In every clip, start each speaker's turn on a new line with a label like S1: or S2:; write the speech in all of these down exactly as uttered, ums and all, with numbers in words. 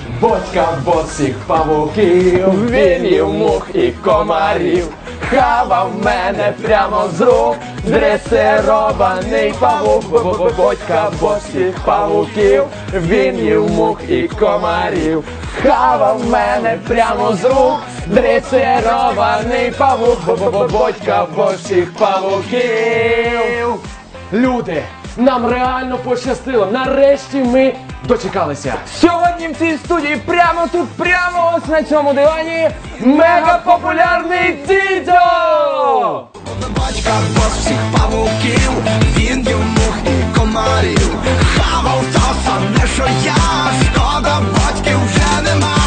S1: Бодька босих павуків, він їв мух і комарів. Хавав мене прямо з рук, дресирований павук. Бодька босих павуків, він їв мух і комарів. Хавав мене прямо з рук, дресирований павук. Бодька босих павуків. Люди, нам реально пощастило, нарешті ми дочекалися.
S2: Сьогодні в цій студії, прямо тут, прямо ось на цьому дивані, мегапопулярний Дідьо!
S3: Батька босих павуків, він їв мух і комарів. Хавав то саме, що я, шкода, батьків вже нема.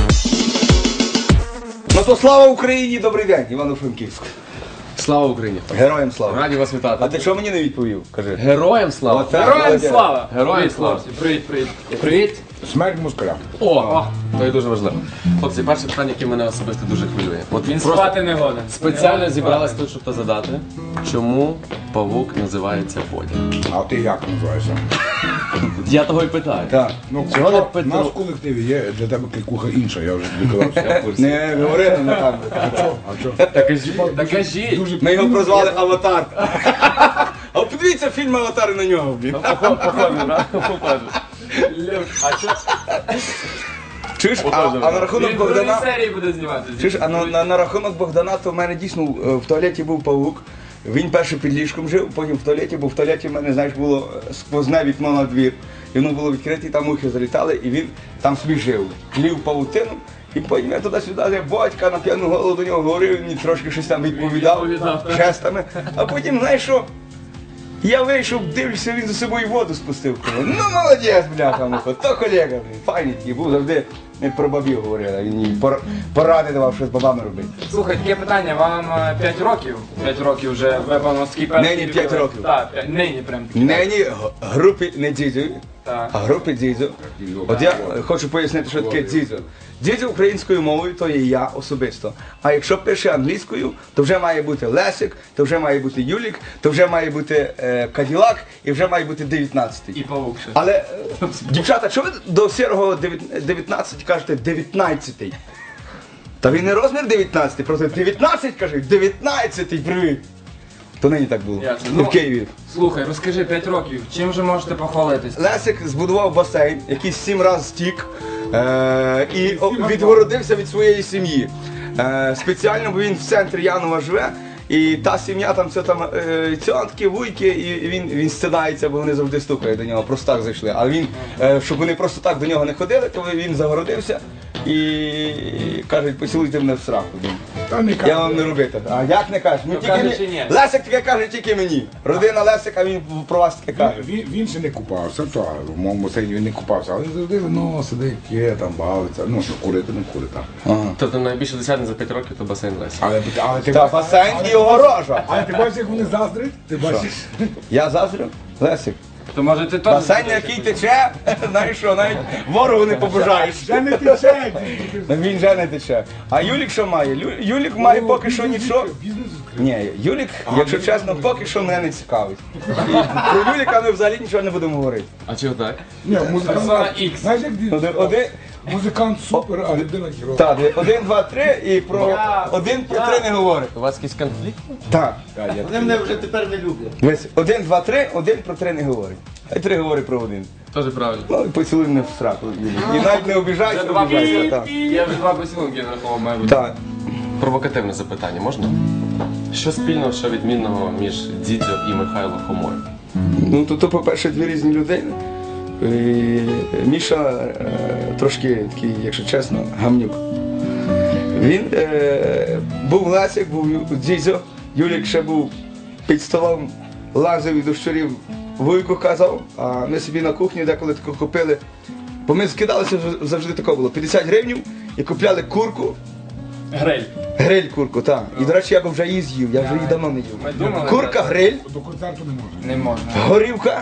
S4: Ну то слава Україні, добрий день, Івано-Франківськ.
S1: Слава Україні!
S4: Героям слава.
S1: Раді вас вітати.
S4: А ти чого мені не відповів? Кажи.
S1: Героям слава!
S4: Оце
S2: Героям
S4: молодець.
S2: слава!
S1: Героям слава!
S2: Привіт, привіт.
S1: Привіт!
S5: Смерть москаля.
S1: О, то є дуже важливо. Хлопці, перше питання, яке мене особисто дуже хвилює. От
S2: Він
S1: просто
S2: спати не годен.
S1: спеціально зібралась тут, щоб то задати. Чому павук називається Бодя?
S5: А ти як називаєшся?
S1: Я того й питаю.
S4: Так.
S5: Ну,
S1: Чого не
S5: в
S1: Петро?
S5: нас в колективі є для тебе клікуха інша, я вже тобі казав, що я в курсі.
S4: Не говори на камеру.
S5: А чого? А чого?
S1: Та кажіть, та кажіть.
S5: Дуже
S4: Ми його прозвали Аватар. А подивіться фільм Аватар на нього. блін.
S1: Похоже, правда? Похоже. А що?
S4: Чуєш, а, а на рахунок
S2: Він в другій
S4: Богдана.
S2: серії буде зніматися.
S4: Чуєш, а на, на, на рахунок Богдана, то в мене дійсно е, в туалеті був павук. Він перше під ліжком жив, потім в туалеті, бо в туалеті в мене, знаєш, було сквозне вікно на двір. І воно було відкрите, і там мухи залітали, і він там собі жив. Плів павутину, і потім я туди-сюди, я батька на п'яну голову до нього говорив, він мені трошки щось там відповідав
S1: Відповідав, так.
S4: жестами. А потім, знаєш що? Я вийшов, дивлюся, він за собою воду спустив. Кажу, ну молодець, бляха, муха, то колега, блін, файний такий був, завжди не про бабів говорили, він їй пор- поради давав, що з бабами робити.
S2: Слухай, таке питання, вам п'ять років? п'ять років вже випевно скіпер.
S4: Нині п'ять років.
S2: Так, п'ять- нині прям таки.
S4: Нині г- групі не дідзю,
S2: Так.
S4: а групі дідзю. От я хочу пояснити, що таке дідзю. Дідзю українською мовою, то є я особисто. А якщо пише англійською, то вже має бути Лесик, то вже має бути Юлік, то вже має бути е, Каділак і вже має бути дев'ятнадцятий.
S2: І павук ще.
S4: Але, е, дівчата, чого ви до сірого дев'ят- дев'ятнадцять кажете дев'ятнадцятий? Та він не розмір дев'ятнадцятий, просто дев'ятнадцять кажуть, дев'ятнадцятий, привіт. То нині так було.
S2: Ясно.
S4: І
S2: Ну,
S4: в Києві.
S2: Слухай, розкажи, п'ять років, чим же можете похвалитись?
S4: Лесик збудував басейн, який сім разів стік е- і о- відгородився від своєї сім'ї. Е- спеціально, бо він в центрі Янова живе, і та сім'я там це там е- цьотки, вуйки, і він, він стидається, бо вони завжди стукають до нього, просто так зайшли. А він, е- щоб вони просто так до нього не ходили, то він загородився і кажуть, поцілуйте мене в сраку.
S5: Та не
S4: Я вам не робити. А як не кажеш? Ну, тільки
S2: каже
S4: мені-
S2: чи ні?
S4: Лесик таке каже тільки мені. Родина Лесика, він про вас таке каже.
S5: Він, він ще не купався, то в моєму басейні він не купався, але завжди ну, сидить, є, там бавиться, ну що курити, не курить там.
S1: Тобто найбільше досягнення за п'ять років то басейн Лесі.
S5: Але, але ти
S4: Та
S5: бачиш,
S4: басейн і огорожа.
S5: але ти бачиш, як вони заздрять? Ти бачиш?
S4: Я заздрю? Лесик.
S2: То може ти теж...
S4: Басейн, який тече, знаєш що, навіть ворогу не побажаєш.
S5: Ще не тече.
S4: Ну, він вже не тече. А Юлік що має? Лю- Юлік має поки що нічого.
S5: Бізнес відкрив.
S4: Ні, Юлік, якщо чесно, поки що мене не цікавить. І про Юліка ми взагалі нічого не будемо говорити.
S1: А чого так?
S5: Ні,
S2: Персона
S5: музикант,
S2: Ікс.
S5: знаєш, як він?
S4: Один, один,
S5: Музикант супер, а людина хіро.
S4: так, один, два, три, і про один, про три не говорить.
S1: У вас якийсь конфлікт?
S4: Так.
S6: Вони мене вже тепер не люблять.
S4: Ось один, два, три, один про три не говорить. А три говорить про один.
S1: Теж правильно.
S4: Ну і поцілуй мене в сраку. Юлік. І навіть не обіжайся,
S2: Два
S4: обіжайся. Так.
S2: Я вже два поцілунки нарахував, має бути.
S4: Так.
S1: Провокативне запитання можна? Що спільного, що відмінного між Дідзьо і Михайло Хомою?
S4: Ну, то, то по-перше, дві різні людини. І Міша е, трошки такий, якщо чесно, гамнюк. Він е, був Лесик, був Дідзьо, Юлік ще був під столом, лазив і до щурів вуйку казав, а ми собі на кухні деколи тако купили. Бо ми скидалися завжди тако було, п'ятдесят гривень і купляли курку.
S2: Гриль.
S4: Гриль курку, так. І, до речі, я б вже її з'їв, я вже її давно не
S2: Ми
S4: їв.
S2: думали,
S4: Курка, гриль,
S5: До концерту не можна.
S2: Не можна.
S4: горівка,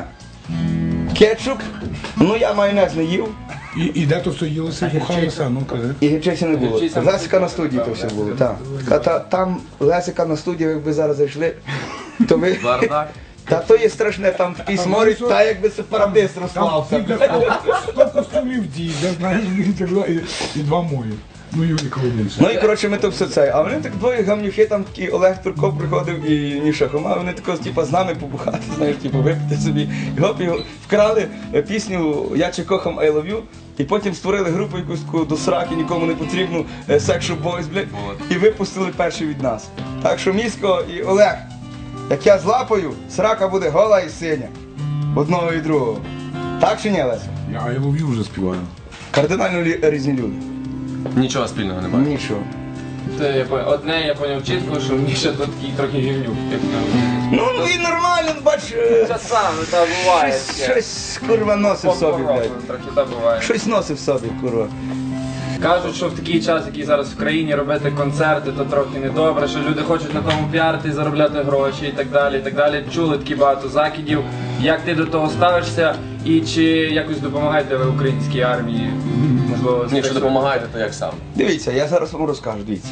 S4: кетчуп, ну я майонез не їв.
S5: І, і де то все їлося, бухалося, ну кажи.
S4: І гірчиці не було.
S2: Гірчиця
S4: Лесика на студії то все було, так. А та, там Лесика на студії, якби зараз зайшли, то ви,
S1: Бардак.
S4: Та то є страшне, там такий сморід, та якби сепаратист
S5: Там
S4: розклався.
S5: сто костюмів діда, знаєш, і так далі, і два мої. Ну, Юрій більше.
S4: Ну і коротше ми то все це. А вони так двоє гамнюхи, там такий Олег Турко приходив і Міша Хома, вони тако типу, з нами побухати, знаєш, типу, випити собі. І гоп, і вкрали е, пісню Я чи кохам I love you, і потім створили групу якусь таку до сраки, нікому не потрібну е, Sexual Boys, блядь, і випустили перші від нас. Так що Місько і Олег, як я злапаю, срака буде гола і синя. Одного і другого. Так чи ні, Леся?
S5: Я I love you вже співаю.
S4: Кардинально лі- різні люди.
S1: Нічого спільного немає.
S4: Нічого.
S2: Це я поняв. Одне я поняв чітко, що Міша тут такий трохи гівнюк. як там.
S4: Ну, ну він нормально, бач, е,
S2: Часами, та буває.
S4: щось, щось курва носив собі, блядь.
S2: Трохи та буває.
S4: Щось носив собі, курва.
S2: Кажуть, що в такий час, який зараз в країні, робити концерти, то трохи недобре, що люди хочуть на тому піарити, заробляти гроші і так далі, і так далі. Чули такі багато закидів. Як ти до того ставишся і чи якось допомагаєте ви українській армії? Можливо,
S1: Ні, якщо допомагаєте, то як сам?
S4: Дивіться, я зараз вам розкажу, дивіться.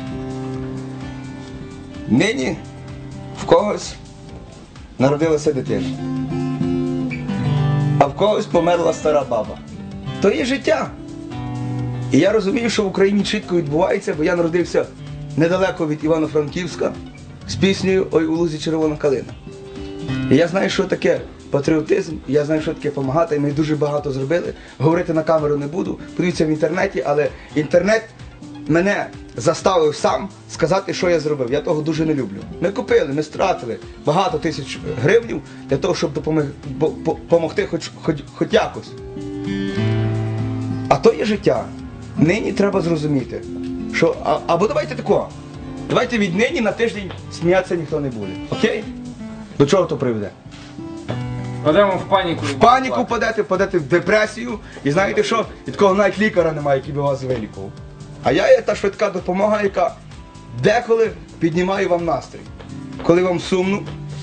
S4: Нині в когось народилася дитина, а в когось померла стара баба. То є життя. І я розумію, що в Україні чітко відбувається, бо я народився недалеко від Івано-Франківська з піснею Ой у лузі червона калина. І я знаю, що таке патріотизм, і я знаю, що таке допомагати, і ми дуже багато зробили. Говорити на камеру не буду, подивіться в інтернеті, але інтернет мене заставив сам сказати, що я зробив. Я того дуже не люблю. Ми купили, ми стратили багато тисяч гривень для того, щоб допомогти, допомогти хоч, хоч, хоч якось. А то є життя. Нині треба зрозуміти, що а, або давайте тако. Давайте віднині на тиждень сміятися ніхто не буде. Окей? До чого то приведе?
S2: Падемо в паніку.
S4: В паніку впадете, впадете в депресію, і знаєте що? І такого навіть лікаря немає, який би вас вилікував. А я є та швидка допомога, яка деколи піднімає вам настрій. Коли вам сумно,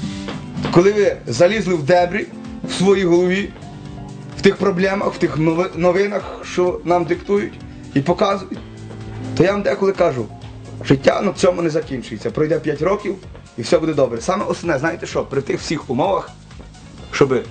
S4: коли ви залізли в дебрі в своїй голові, в тих проблемах, в тих нови- новинах, що нам диктують і показують, то я вам деколи кажу, життя на цьому не закінчується. Пройде п'ять років і все буде добре. Саме основне, знаєте що, при тих всіх умовах, щоб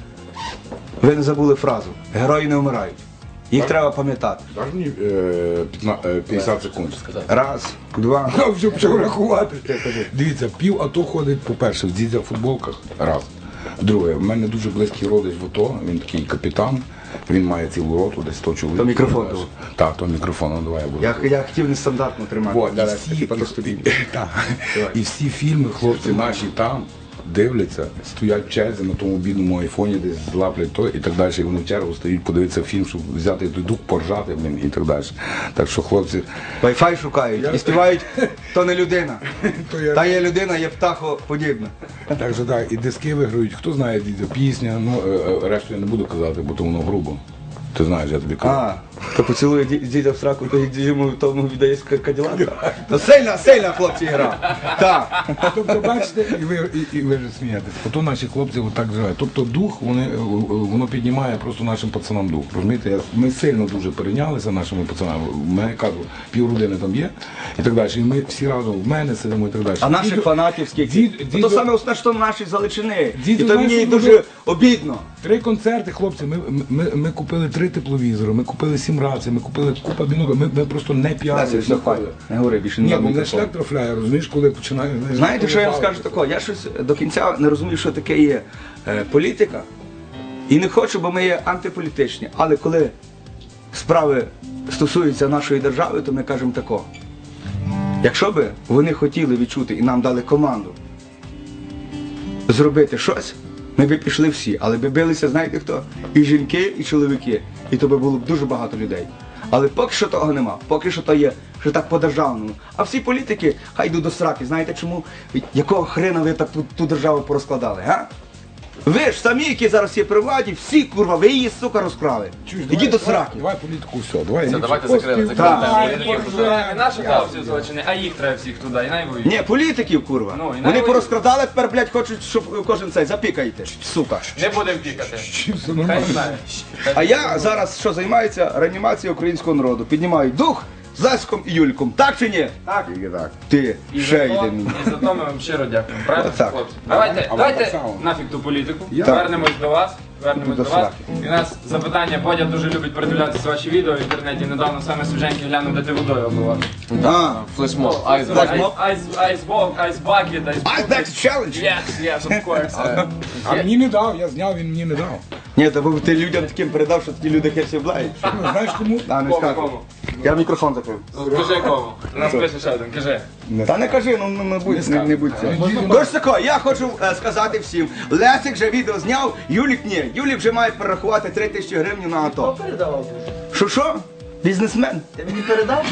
S4: ви не забули фразу «Герої не вмирають». Їх треба пам'ятати.
S5: Даш мені е, п'ятна- е, п'ятдесят секунд.
S4: Раз, два.
S5: Ну, вже почав рахувати. Дивіться, пів АТО ходить, по-перше, в дідя футболках. Раз. Друге, в мене дуже близький родич в АТО, він такий капітан, він має цілу роту, десь сто чоловік.
S4: То мікрофон був.
S5: Так, то мікрофон, ну давай я буду.
S4: Я, я хотів нестандартно тримати.
S5: Вот, і,
S4: Давай,
S5: всі,
S4: типа, то тобі.
S5: і, так. І всі фільми, хлопці наші там дивляться, стоять в черзі на тому бідному айфоні, десь злаплять то і так далі. І вони в чергу стоять, подивитися фільм, щоб взяти той дух, поржати, блін, і так далі. Так що, хлопці,
S4: Wi-Fi шукають і співають, то не людина.
S5: То я-
S4: Та є людина, є птахоподібна.
S5: так що так, і диски виграють. Хто знає, дідя, пісня, ну, е, е, решту я не буду казати, бо то воно грубо. Ти знаєш, я тобі кажу.
S4: А, то поцілує ді- дідя в сраку, то йому тому віддає каділака. То сильна, сильна, хлопці, гра. Так.
S5: Тобто, бачите, і ви, і, і ви ж смієтесь. Ото наші хлопці отак живуть. Тобто дух, вони, е, воно піднімає просто нашим пацанам дух. Розумієте, Я- ми сильно дуже перейнялися нашими пацанами. У мене кажу, півродини там є і так далі. І ми всі разом в мене сидимо і так далі.
S4: А наших
S5: Дідо-
S4: фанатів скільки?
S5: Дід-
S4: Ну,
S5: дідо-
S4: то саме основне, що наші заличини. І
S5: Дідо
S4: то мені
S5: знаєш,
S4: дуже
S5: що
S4: обідно.
S5: Три концерти, хлопці, ми, ми, ми купили три тепловізори, ми купили сім рацій, ми купили купа біноків, ми, ми просто не
S4: Леся,
S5: піарили.
S4: все, хватить. Не говори більше, не
S5: Ні,
S4: надо
S5: бо мене
S4: мікрофон.
S5: шлях трафляє, розумієш, коли починаю... знаєш,
S4: Знаєте, що я вам
S5: коли
S4: скажу такого? Я щось до кінця не розумію, що таке є е, політика. І не хочу, бо ми є антиполітичні. Але коли справи стосуються нашої держави, то ми кажемо тако. Якщо би вони хотіли відчути і нам дали команду зробити щось, ми б пішли всі. Але би билися, знаєте хто? І жінки, і чоловіки. І то би було б дуже багато людей. Але поки що того нема. Поки що то є, що так по-державному. А всі політики хай йдуть до сраки. Знаєте чому? Якого хрена ви так ту, ту державу порозкладали, га? Ви ж самі, які зараз є при владі, всі, курва, ви її, сука, розкрали.
S5: Чуєш,
S4: Ідіть
S5: давай,
S4: до
S5: давай,
S4: сраки.
S5: Давай політику, все, давай.
S1: Все,
S5: Ні,
S1: давайте
S5: що,
S1: закрили,
S5: поспів-
S1: закрили.
S4: Так.
S2: Ні, не наших хлопців Золочини, а їх треба всіх туди, і най воюють.
S4: Ні, політиків, курва.
S2: Ну, і
S4: Вони
S2: навіть-
S4: порозкрадали, тепер, блядь, хочуть, щоб кожен цей запікайте, сука.
S2: Не будемо пікати.
S5: Чи все
S2: Хай
S5: нормально?
S2: знає.
S4: А я зараз що займаюся реанімацією українського народу. Піднімаю дух з Лесиком і Юльком. Так чи ні?
S6: Так.
S5: Тільки так.
S4: Ти
S2: І за
S4: ще
S2: то-
S4: йде мені.
S2: І за то ми вам щиро дякуємо. Правильно,
S4: Отак.
S2: хлопці? Давайте,
S5: А вам
S2: давайте
S5: так само.
S2: нафіг ту політику.
S5: Я-
S2: Вернемось до вас. Вернемось
S4: До
S2: до вас. І у нас запитання. Бодя дуже любить передивлятися ваші відео в інтернеті. Недавно саме свіженькі глянув, де ти водою обливав.
S4: А,
S1: Флешмоб, айсберг.
S2: Айсбол, айсбакет,
S4: I
S2: айсбол.
S4: back challenge.
S2: Yes, yes, of course.
S5: А мені не дав, я зняв, він мені не дав.
S4: Ні, та бо ти людям таким передав, що такі люди херсі обладають.
S5: Ну, знаєш кому?
S4: Та не
S2: Кому,
S4: скажу.
S2: кому?
S4: Я мікрофон закрив.
S2: Кажи кому. У нас пише ще один, кажи.
S4: Та не кажи, ну ну, не будь, не, не будь це. Тож тако, я хочу е, сказати всім. Лесик вже відео зняв, Юлік ні. Юлік вже має перерахувати три тисячі гривень на АТО.
S6: Передавав.
S4: Що що? Бізнесмен.
S6: Ти мені передав?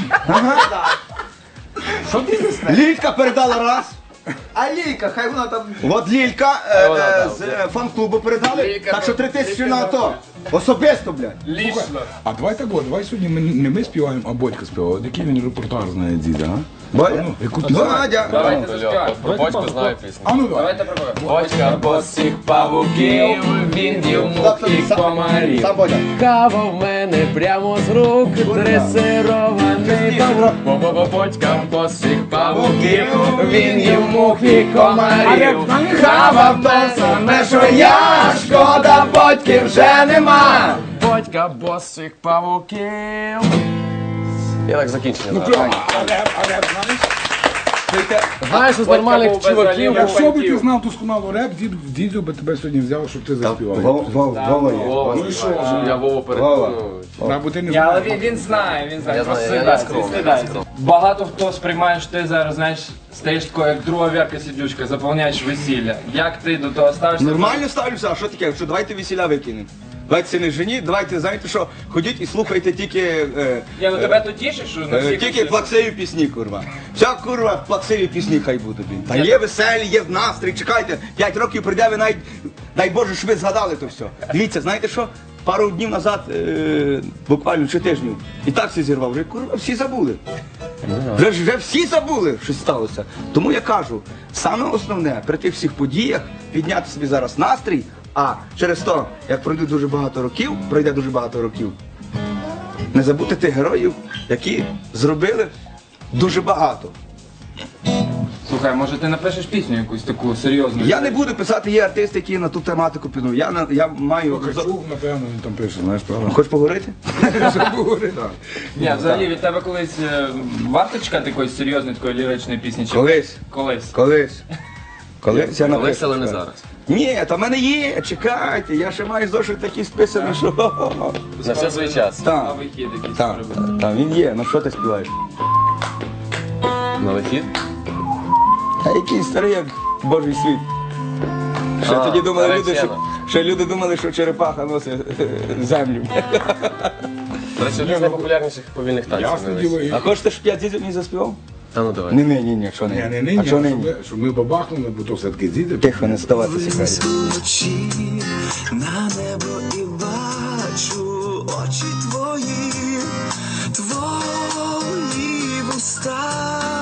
S4: Що бізнесмен? Лілька передала раз.
S6: А Лійка, хай вона там.
S4: От Лілька е,
S1: Вона
S4: е,
S1: дала,
S4: з е, фан-клубу передали.
S2: Лілька,
S4: Так що три тисячі
S2: Лілька
S4: на АТО.
S2: дала.
S4: Особисто, блядь.
S2: Лічно.
S5: А давай так, от, давай сьогодні ми, не ми співаємо, а Бодька співає. От який він репортаж знає діда, а?
S4: Бодя?
S5: Ну, яку пісню?
S4: Бодя.
S2: Давайте
S1: Льоха,
S2: заспіваємо.
S1: про бочку знаю пісню.
S5: А ну давай.
S2: Давайте пробуємо.
S1: Бочка босих павуків, він їв мух і комарів.
S4: Сам Бодя.
S1: Кава в мене прямо з рук, дресирований павук. Бо-бо-бо-бочка босих павуків, він їв мух і комарів.
S4: Хавав то саме, що я, шкода, Бодьки вже нема.
S1: Бочка босих павуків. Я так закінчення.
S5: Ну,
S1: зараз.
S5: прямо, а реп, а реп, знаєш?
S1: Знаєш, з нормальних
S2: був без
S1: чуваків.
S2: олівок.
S5: Якщо б ти знав досконало реп, дід, дідю би тебе сьогодні взяв, щоб ти заспівав.
S4: Вова є.
S1: Вова,
S2: Ну і що?
S1: щоб я Вову
S4: Вова.
S1: переконував.
S5: Або ти не
S2: Ні, але
S5: знаєш.
S2: він, він знає, він знає.
S1: Я
S2: Просто
S1: знаю, я не
S2: стидається,
S1: скромний,
S2: стидається.
S1: я не скромний.
S2: Багато хто сприймає, що ти зараз, знаєш, стаєш такою, як друга Вірка Сидючка, заповняєш весілля. Як ти до того ставишся?
S4: Нормально ставлюся, а що таке? Що давайте весіля викинемо. Давайте це не жені, давайте, знаєте що, ходіть і слухайте тільки, е,
S2: Я ну тебе то тішить, що на
S4: е,
S2: всіх...
S4: тільки плаксиві пісні, курва. Вся курва плаксиві пісні хай будуть. блін. Та є веселі, є настрій, чекайте, п'ять років прийде, ви навіть, дай Боже, щоб ви згадали то все. Дивіться, знаєте що? Пару днів назад, е, буквально чи тижнів, і так всі зірвав, вже курва, всі забули. Вже, вже всі забули, що сталося. Тому я кажу, саме основне при тих всіх подіях підняти собі зараз настрій, а через то, як пройде дуже багато років, пройде дуже багато років, не забути тих героїв, які зробили дуже багато.
S2: Слухай, може ти напишеш пісню якусь таку серйозну?
S4: Я не буду писати, є артисти, які на ту тематику підуть. Я, на- я маю...
S5: Качук, напевно, він там пише, знаєш, правда?
S4: Хочеш поговорити?
S5: Так.
S2: Ні, взагалі від тебе колись е, варто чекати якоїсь серйозної такої ліричної пісні? Чи
S4: Колись.
S2: Колись.
S4: Колись. Колись я напишу.
S1: Колись, але не зараз.
S4: Ні, та в мене є, чекайте, я ще маю зошит такий списаний, що...
S1: На все свій час.
S2: А
S4: Так,
S2: вихід якийсь
S4: так,
S2: може бути.
S4: так, він є, ну що ти співаєш?
S1: На вихід.
S4: А який старий, як Божий світ. Ще
S1: А,
S4: тоді думали
S1: старий
S4: люди, що,
S1: сцена.
S4: ще люди думали, що черепаха носить е, землю.
S1: До речі, один з найпопулярніших повільних танців.
S5: Ясне
S1: на весь.
S5: діло, і...
S4: А хочеш, щоб я дідів не заспівав?
S1: Та ну давай.
S4: Ні, ні, ні, ні, що
S5: Ні,
S4: не.
S5: не нині,
S4: А що
S5: а
S4: нині?
S5: щоб, щоб ми бабахнули, бо то все-таки діти.
S4: Тихо, не ставатися.
S3: Вночі на небо і бачу очі твої, твої вуста,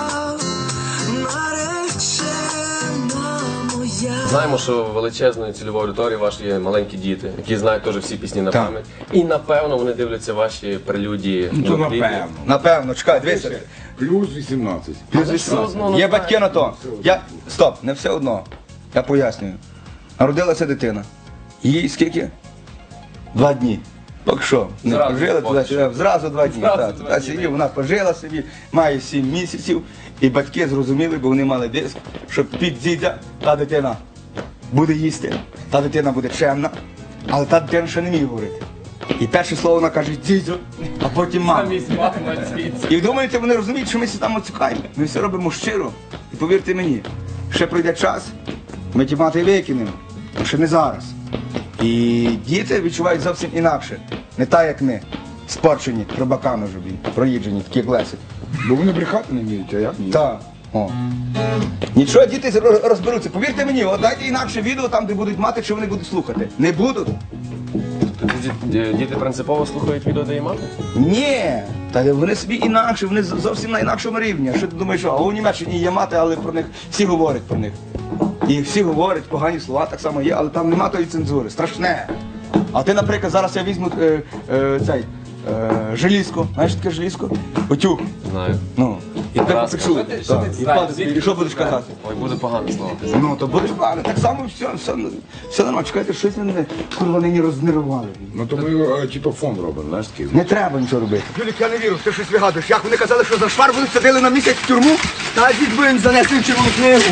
S3: наречена моя.
S1: Знаємо, що величезною цільовою аудиторією ваші є маленькі діти, які знають теж всі пісні на
S4: Так.
S1: пам'ять. І напевно вони дивляться ваші прелюдії.
S5: Ну, то
S1: на кліпі.
S5: напевно.
S4: Напевно, чекай, дивися.
S5: Плюс вісімнадцять.
S4: Плюс
S1: все
S4: вісімнадцять.
S1: одно, ну,
S4: Є
S1: так.
S4: батьки на то. Я... Стоп, не все одно. Я пояснюю. Народилася дитина. Їй скільки? Два дні. Поки що, не
S2: Зразу,
S4: пожила
S2: поки
S4: туди, сюди, зразу два дні.
S2: Зразу
S4: Так,
S2: два
S4: туди
S2: дні,
S4: сидів, вона пожила собі, має сім місяців, і батьки зрозуміли, бо вони мали диск, що під дідя та дитина буде їсти, та дитина буде чемна, але та дитина ще не вміє говорити. І перше слово вона каже дідю, а потім мама.
S2: Замість мами звідси.
S4: І думаєте, вони розуміють, що ми всі там оцікаємо. Ми все робимо щиро. І повірте мені, ще пройде час, ми ті мати викинемо, а ще не зараз. І діти відчувають зовсім інакше. Не так, як ми, спорчені рибаками вже, блін, проїджені, такі як Лесик.
S5: Бо вони брехати не вміють, а як ні?
S4: Так. О. Нічого, діти роз- розберуться. Повірте мені, от дайте інакше відео там, де будуть мати, що вони будуть слухати. Не будуть?
S1: Ді- ді- Діти принципово слухають відео, де є мати?
S4: Ні, та вони собі інакше, вони з- зовсім на інакшому рівні. А що ти думаєш, що а у Німеччині є мати, але про них всі говорять про них. І всі говорять, погані слова так само є, але там нема тої цензури. Страшне. А ти, наприклад, зараз я візьму е, е, цей е, желізко. Знаєш, що таке желізко? Утюг.
S1: Знаю.
S4: Ну, і тебе
S1: Праска.
S4: попечу.
S2: Що ти- що
S4: Так,
S2: ти
S4: і
S2: знаєш?
S4: падати, і що будеш казати?
S1: Ой, буде погане слово.
S4: Ну, то будеш погано, так само все, все, все нормально. Чекайте, щось мене, курва, нині рознервували.
S5: Ну то ми е, типу фон робимо, знаєш такий.
S4: Не треба нічого робити.
S6: Юлік, я не вірю, ти щось вигадуєш. Як вони казали, що за шварбу садили на місяць в тюрму, та дід би їм занесли в червону книгу.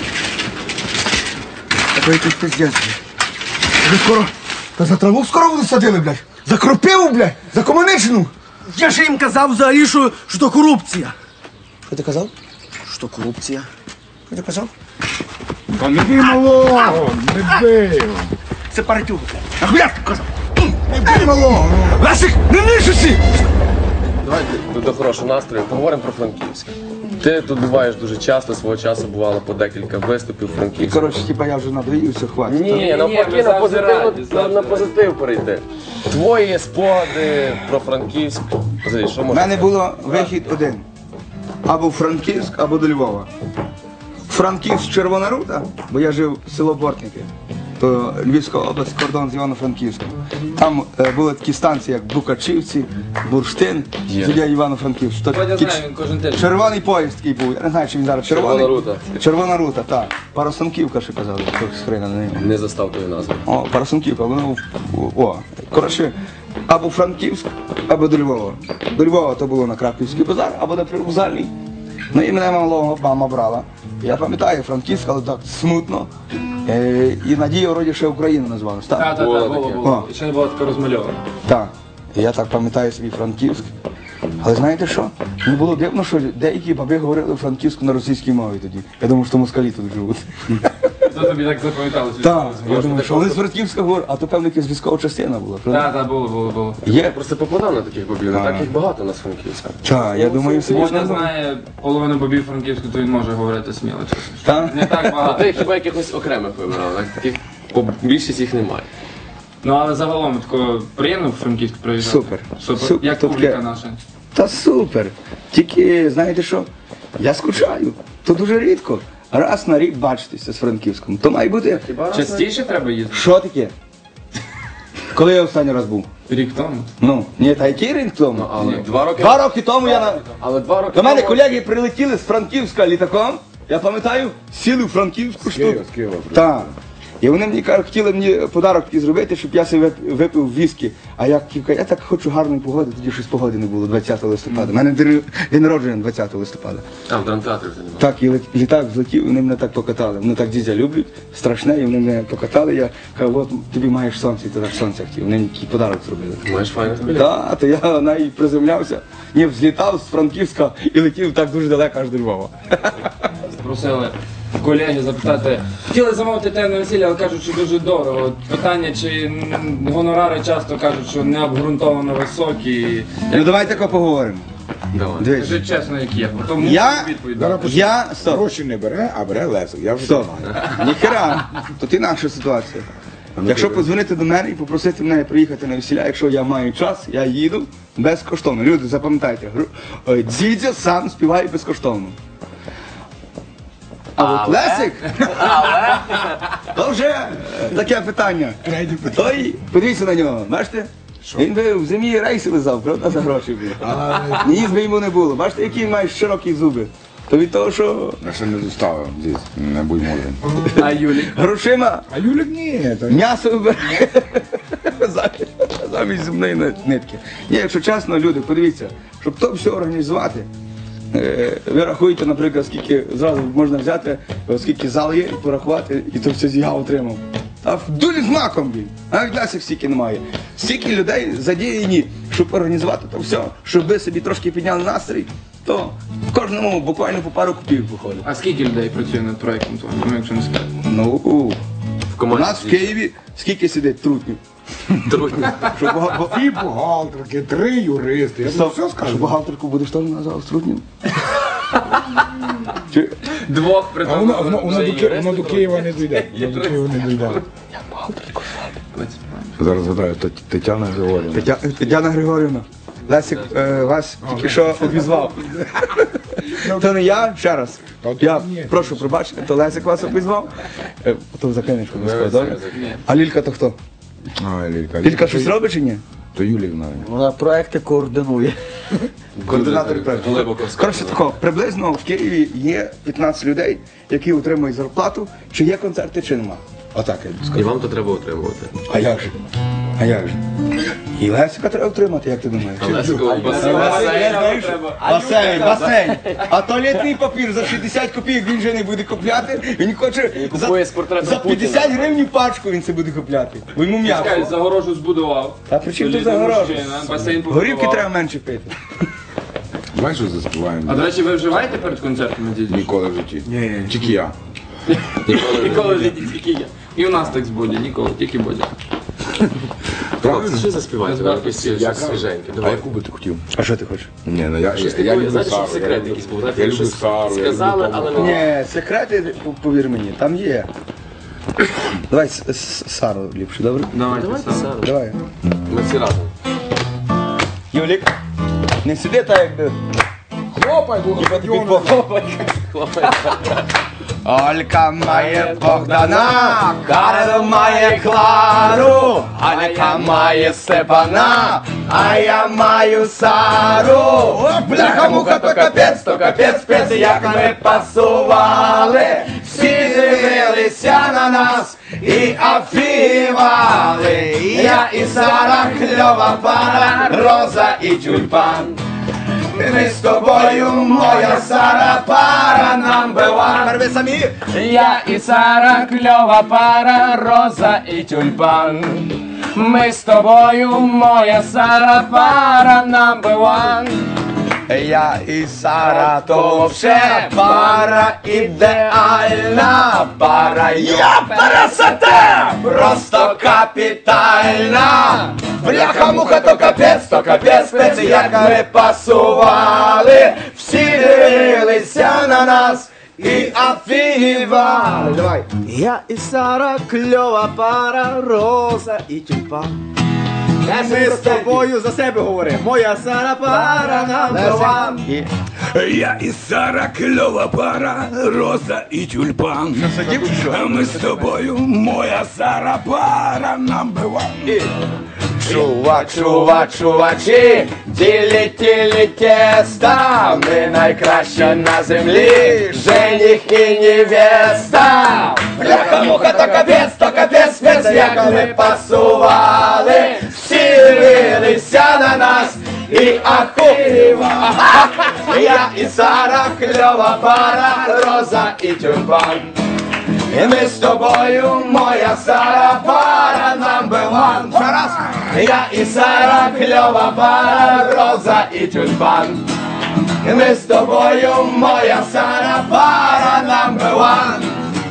S6: Такий якийсь пиздець. Вже скоро, та за траву скоро будуть садили, блядь. За кропиву, блядь, за комуничну. Я ж їм казав взагалі, що, що то корупція. Що ти казав? Що корупція. Що ти казав?
S5: Та не бий малого, не бий.
S6: Це паратюга. Нахуя ти казав? Не бий малого. Лесик, не нишуйся!
S1: Давайте до, до хорошого настрою поговоримо про Франківськ. Ти тут буваєш дуже часто, свого часу бувало по декілька виступів у Франківську.
S4: Коротше, типа я вже надоївся, хватить.
S1: Ні,
S2: ні,
S1: навпаки,
S2: ми
S1: на
S2: завжди
S1: позитив,
S2: раді,
S1: на,
S2: завжди
S1: на
S2: раді.
S1: позитив перейти. Твої спогади про Франківськ. Взагалі, що
S4: У
S1: можна?
S4: мене було вихід один. Або в Франківськ, або до Львова. Франківськ Червона Рута, бо я жив в село Бортники. То Львівська область, кордон з Івано-Франківськом. Там е, були такі станції, як Букачівці, Бурштин,
S1: Є.
S4: тоді Івано-Франківськ. То
S2: Я
S4: такі
S2: знаю, він кожен тиждень.
S4: червоний поїзд такий був. Я не знаю, чи він зараз червоний.
S1: Червона рута.
S4: Червона рута, так. Парасонківка ще казали, хтось хрена на неї.
S1: Не застав тої назви.
S4: О, Парасунківка, воно в- о. Коротше, або Франківськ, або до Львова. До Львова то було на Краківський базар, або на Привокзальний. Ну і мене малого мама брала. Я пам'ятаю Франківськ, але так смутно. Е, і Надія вроді ще Україну назвалась.
S2: Так,
S4: Так,
S2: так,
S1: Було
S2: так, було,
S1: таке.
S2: було.
S4: О.
S2: І ще не було таке розмальовано.
S4: так. І я так пам'ятаю собі Франківськ. Але знаєте що? Мені було дивно, що деякі баби говорили франківську на російській мові тоді. Я думав, що москалі тут живуть.
S2: То тобі так запам'яталося?
S4: Так, я думаю, що вони з Франківська говорять, а то певно якась військова частина була. правда?
S2: Так, так, було, було, було.
S4: Є.
S1: Я просто попадав на таких бабів, не так їх багато у нас Франківська.
S4: Так, я думаю, всі
S2: Можна
S4: можна.
S2: знає половину бобів Франківську, то він може говорити сміло, чесно.
S4: Так?
S2: Не так
S1: А
S2: багато.
S1: ти хіба якихось окремих вибирав, так? Таких бо більшість їх немає.
S2: Ну але загалом тако приємно в Франківськ приїжджати.
S4: Супер.
S2: Супер.
S4: Супер.
S2: Як
S4: Таке.
S2: публіка наша.
S4: Та супер. Тільки, знаєте що? Я скучаю. То дуже рідко. Раз на рік бачитися з Франківськом. То має бути.
S2: Частіше треба їздити?
S4: Що таке? Коли я останній раз був?
S2: Рік тому.
S4: Ну, ні, та який рік тому?
S1: Але два роки.
S4: Два роки тому я на.
S1: Але два роки.
S4: До мене
S1: тому-
S4: колеги прилетіли з Франківська літаком. Я пам'ятаю, сіли в Франківську штуку.
S5: Києва, з Києва.
S4: Так. І вони мені кажуть, хотіли мені подарок такий зробити, щоб я собі вип- випив віскі. А я кілька, я так хочу гарної погоди, тоді щось погоди не було двадцятого листопада. У мене день день народження двадцятого листопада.
S1: А, в драмтеатрі вже немає.
S4: Так, і лет- літак злетів, і вони мене так покатали. Вони так дідя люблять, страшне, і вони мене покатали. Я кажу, от тобі маєш сонце, і ти так сонце хотів. Вони мені такий подарок зробили.
S1: Маєш файних колег.
S4: Так, то я навіть приземлявся, ні, взлітав з Франківська і летів так дуже далеко аж до Львова.
S2: Просили колеги запитати. Хотіли замовити те на весілля, але кажуть, що дуже дорого. От питання, чи м, гонорари часто кажуть, що не обґрунтовано високі.
S4: Ну давайте тако поговоримо.
S1: Давай.
S4: Дивись.
S2: Скажи чесно, як є. Тому
S4: Я-
S2: відповідь.
S5: Зараз
S4: Я стоп.
S5: гроші не бере, а бере Лесик. Я вже
S4: Стоп.
S5: знаю.
S4: Ніхера. Тут інакша ситуація. Якщо подзвонити до мене і попросити мене приїхати на весілля, якщо я маю час, я їду безкоштовно. Люди, запам'ятайте, гру- ой, Дзідзьо сам співає безкоштовно. А от Лесик, то вже е, таке питання. Той, подивіться на нього, бачите? Він би в зимі рейси лизав, правда, за гроші був. Ніс би йому не було. Бачите, які він має широкі зуби. То від того, що
S5: Я ще не доставив здесь, не будь мудрим.
S2: А Юлік?
S4: грошима
S5: А Юлік ні, то
S4: м'ясо вибирає замість- замість зубної нитки. Ні, якщо чесно, люди, подивіться, щоб то все організувати. е, Ви рахуєте, наприклад, скільки зразу можна взяти, е, скільки зал є, і порахувати, і то все я отримав. А в дулі з маком він. Навіть Лесик стільки немає. Стільки людей задіяні, щоб організувати то все, щоб ви собі трошки підняли настрій, то в кожному буквально по пару копійок виходить.
S2: А скільки людей працює над проєктом твоїм, ну якщо не сказати?
S4: Ну,
S1: В
S4: у
S1: команді.
S4: нас в Києві скільки сидить трутнів?
S1: Трудні.
S4: Що бага- бо-
S5: дві бухгалтерки, три юристи. Я тобі
S4: Стоп,
S5: все
S4: що
S5: скажу.
S4: бухгалтерку будеш теж назвав Струтнім? Чи
S2: Двох при
S5: А воно, воно,
S2: тому.
S5: воно, до, Ки- воно до Києва не дійде. Воно до Києва не дійде. Зараз згадаю, Тет- Тетяна Григорівна.
S4: Тетя- Тетяна Григорівна? Лесик е, вас тільки що обізвав. То не я, ще раз.
S5: Та от
S4: Я
S5: ні.
S4: прошу пробачити, то Лесик вас обізвав. Е, Потім закинеш обов'язково, добре? А Лілька то хто?
S5: А, Лілька.
S4: Лілька щось робить чи ні?
S5: То Юлівна.
S6: Вона проекти координує.
S4: Координатор проєкту.
S1: глибоко
S4: Коротше тако, приблизно в Києві є п'ятнадцять людей, які отримують зарплату, чи є концерти, чи нема. Отак я скажу.
S1: І вам то треба отримувати.
S4: А як же? А як же? І Лесика треба отримати, як ти думаєш? Басейн, басейн. А туалетний папір за шістдесят копійок він вже не буде купляти. Він хоче за,
S1: купує з портретом
S4: за
S1: Путіна.
S4: п'ятдесят гривень пачку він це буде купляти. Бо йому
S2: Чекай,
S4: м'яко.
S2: загорожу збудував.
S4: А при чому тут
S2: Солідний
S4: загорожу?
S2: мужчина, басейн
S4: Горівки
S2: побудував.
S4: треба менше пити.
S5: Давай що заспіваємо.
S2: А до речі, ви вживаєте перед концертами, дідусь?
S5: Ніколи в житті. Ні. Тільки я.
S2: Ніколи в житті, тільки я. І у нас так з Боді, ніколи, тільки Бодя.
S1: Хлопці, що заспіваєте? Ви якось щось свіженьке.
S5: А
S1: Давай.
S5: яку би ти хотів?
S4: А що ти хочеш?
S5: Ні, ну я,
S1: Щось
S5: я, я
S1: таке,
S5: люблю
S1: знаєте, що
S5: Сару.
S1: секрет
S5: я
S1: якийсь був,
S5: люблю-
S1: знаєте,
S5: Я люблю
S1: щось
S5: Сару. я
S1: сказали,
S5: люблю
S1: але
S5: Тому.
S1: не-
S4: Ні, секрети, повір мені, там є. Давай с- с- Сару ліпше, добре?
S2: Давайте,
S1: Давайте,
S2: Сара.
S1: Сара.
S4: Давай.
S1: Ми всі разом.
S4: Юлік, не сиди так, якби.
S5: Хлопай, бо
S1: Хлопець.
S4: Олька має Богдана, Карл має Клару, Алька має Степана, а я маю Сару. Бляха муха, то капець, то капець, спец, як ми пасували. Всі дивилися на нас і афівали. Я і Сара, кльова пара, Роза і тюльпан. Ми з тобою, моя Сара, пара number one. Ви самі?
S1: Я і Сара, кльова пара, Роза і тюльпан. Ми з тобою, моя Сара, пара number one.
S4: Я і Сара, то вообще пара ідеальна, пара я красота, просто капітальна. Бляха-муха, то капець, то капець, спеці, як ми пасували. Всі дивилися на нас і афігівали. Давай.
S6: Я і Сара, кльова пара, Роза і тюльпан. Ми з тобою за себе говоримо. Моя Сара, пара number one.
S5: Я і Сара, кльова пара, Роза і тюльпан. А ми з тобою, моя Сара, пара number one.
S4: Чува, чува, чувачі, ділі, тілі, теста, ми найкраща на землі, жених і невеста. Бляха-муха, то капець, то капець, спец, як ми пасували, всі дивилися на нас і ахуєвали. Я і Сара, кльова пара, Роза і тюльпан. І ми з тобою, моя Сара, пара number one. Ще раз. Я і Сара, кльова пара, Роза і тюльпан. І ми з тобою, моя Сара, пара number one.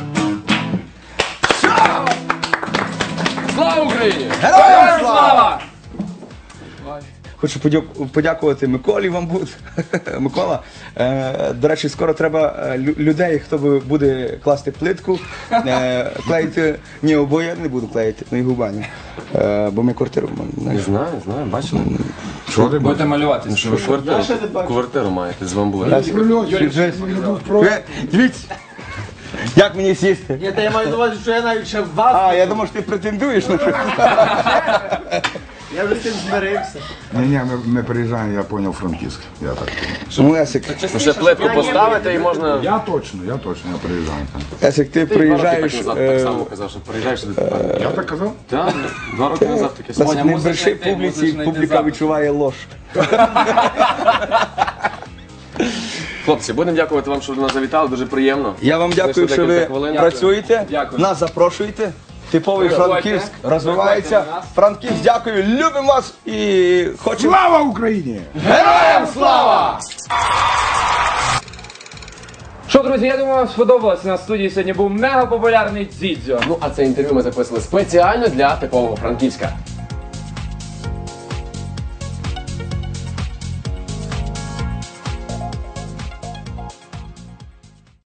S1: Слава Україні!
S4: Героям слава! Хочу подяку- подякувати Миколі вам буде. Микола, е, до речі, скоро треба е, лю- людей, хто би буде класти плитку, е, клеїти, ні, обоє я не буду клеїти, не губані, е, бо ми квартиру маємо.
S1: Знаю, знаю, бачили.
S5: Що ти
S2: Будете малювати.
S1: Що ви квартиру, квартиру маєте з бамбура.
S4: Ви, Дивіться, як мені сісти?
S6: Ні, та я маю на увазі, що я навіть ще в вас.
S4: А, я думав, що ти претендуєш на щось.
S6: Я вже з цим змирився.
S5: Ні, ні, ми, ми приїжджаємо, я поняв, Франківськ. Я так.
S4: Ну, Есик,
S1: Ну, ще плитку поставити і можна...
S5: Я точно, я точно, я приїжджаю там.
S4: Есик, ти
S1: Ти два роки
S4: приїжджаєш,
S1: так назад
S4: е,
S1: так само казав, що приїжджаєш сюди тепер.
S5: Я так казав?
S1: Так, два роки назад таке слово.
S4: Есик, не
S2: мусиш
S4: бреши
S2: знайти,
S4: публіці,
S2: мусиш знайти
S4: публіка
S2: запис.
S4: відчуває лож.
S1: Хлопці, будемо дякувати вам, що до нас завітали, дуже приємно.
S4: Я вам дякую,
S1: Знайшли
S4: що ви
S1: декілька хвилин.
S4: працюєте,
S2: Дякую.
S4: нас запрошуєте. Типовий
S2: Приходьте.
S4: Франківськ розвивається.
S2: Приходьте до нас.
S4: Франківськ, дякую, любимо вас і хочемо.
S5: Слава Україні!
S4: Героям слава!
S2: Що, друзі, я думаю, вам сподобалось. На студії сьогодні був мега популярний Дзідзьо.
S1: Ну, а це інтерв'ю ми записали спеціально для типового Франківська.